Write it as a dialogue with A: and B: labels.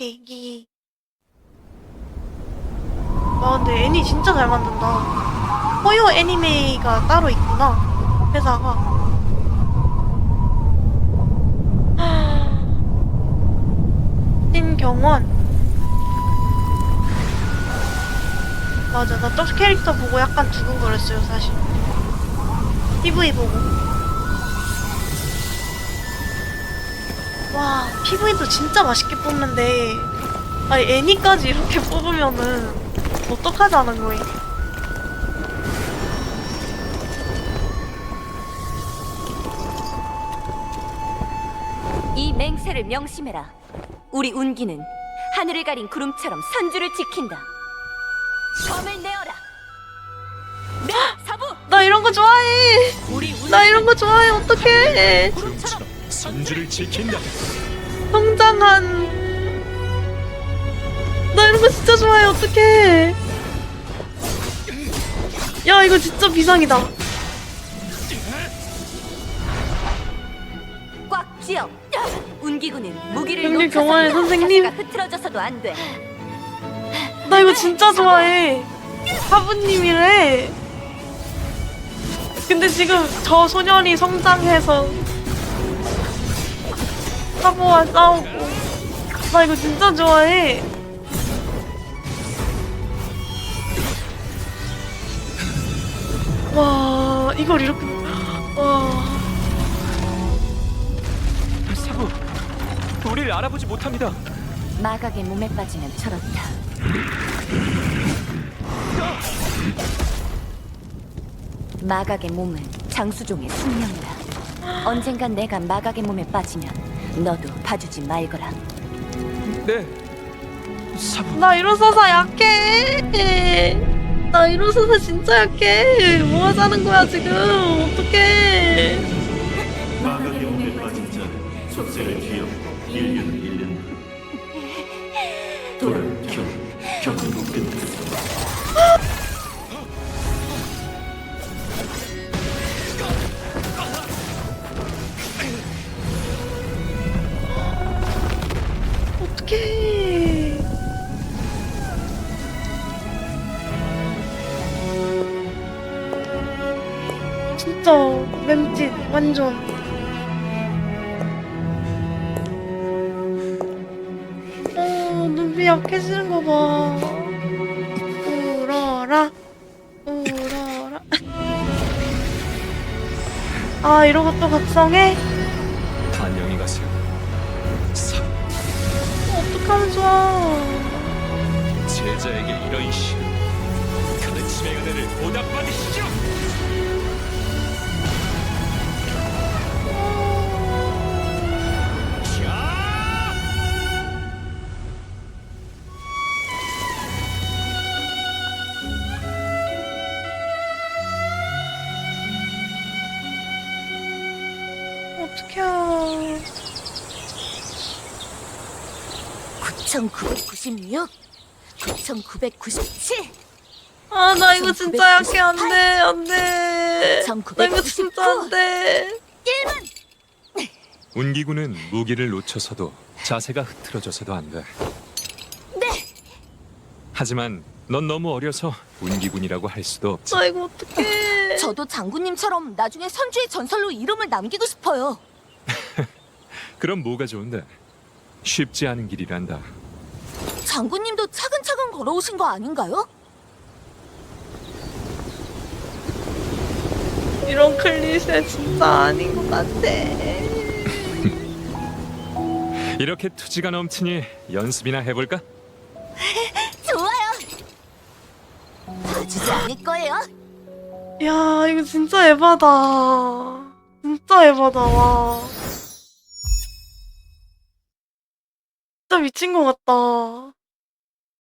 A: 계기. 아 근데 애니 진짜 잘 만든다. 호요 애니메이가 따로 있구나, 회사가. 신경원. 맞아, 나 저 캐릭터 보고 약간 두근거렸어요 사실. PV 보고. 와, PV도 진짜 맛있게 뽑는데, 아니 애니까지 이렇게 뽑으면은 어떡하자는 거임.
B: 이 맹세를 명심해라. 우리 운기는 하늘을 가린 구름처럼 선주를 지킨다. 검을 내어라. 네, 사부.
A: 나 이런 거 좋아해.
B: 우리
A: 나 이런 거 좋아해. 어떡해.
B: 구름처럼
C: 선주를 지킨다.
A: 성장한. 나 이런 거 진짜 좋아해. 어떡해. 야, 이거 진짜 비상이다.
B: 꽉 쥐어. 운기군은 무기를
A: 여기
B: 놓쳐서
A: 경화의 선생님.
B: 자세가 흐트러져서도 안 돼.
A: 나 이거 진짜 좋아해. 사부님이래. 근데 지금 저 소년이 성장해서 사부와 싸우고. 나 이거 진짜 좋아해. 와, 이걸 이렇게. 와.
C: 사부, 우리를 알아보지 못합니다.
B: 마각의 몸에 빠지면 저렇다. 마각의 몸은 장수종의 숙명이다. 언젠간 내가 마각의 몸에 빠지면 너도 봐주지 말거라.
C: 네, 사부.
A: 나 일어서서 약해. 나 일어서서 진짜 약해. 뭐 하자는 거야 지금. 어떡해.
D: 마각의 몸에 빠진 자는 속세를 기억하고 1년 돌아올 경고 끝났어.
A: 어떡해. 진짜 맴짓 완전. 눈빛 약해지는 거 봐. 울어라 울어라. 아, 이러고 또 각성해?
C: 안녕히 가세요. 사부,
A: 어떡하면 좋아.
C: 제자에게 이런 시 가르침의 은혜를 보답받으시죠. 자!
A: 어떡해.
B: 9,996, 9,997,
A: 아, 나 이거 진짜 약해. 안 돼, 안 돼. 나 이거 진짜 안 돼.
B: 1만!
C: 운기군은 무기를 놓쳐서도 자세가 흐트러져서도 안 돼.
B: 네!
C: 하지만 넌 너무 어려서 운기군이라고 할 수도 없지.
A: 나 이거 어떡해.
B: 저도 장군님처럼 나중에 선주의 전설로 이름을 남기고 싶어요.
C: 그럼 뭐가 좋은데? 쉽지 않은 길이란다.
B: 장군님도 차근차근 걸어오신 거 아닌가요?
A: 이런 클리셰 진짜 아닌 것 같아.
C: 이렇게 투지가 넘치니 연습이나 해볼까?
B: 좋아요. 봐주지 않을 거예요.
A: 야, 이거 진짜 에바다. 진짜 에바다, 와. 진짜 미친 것 같다.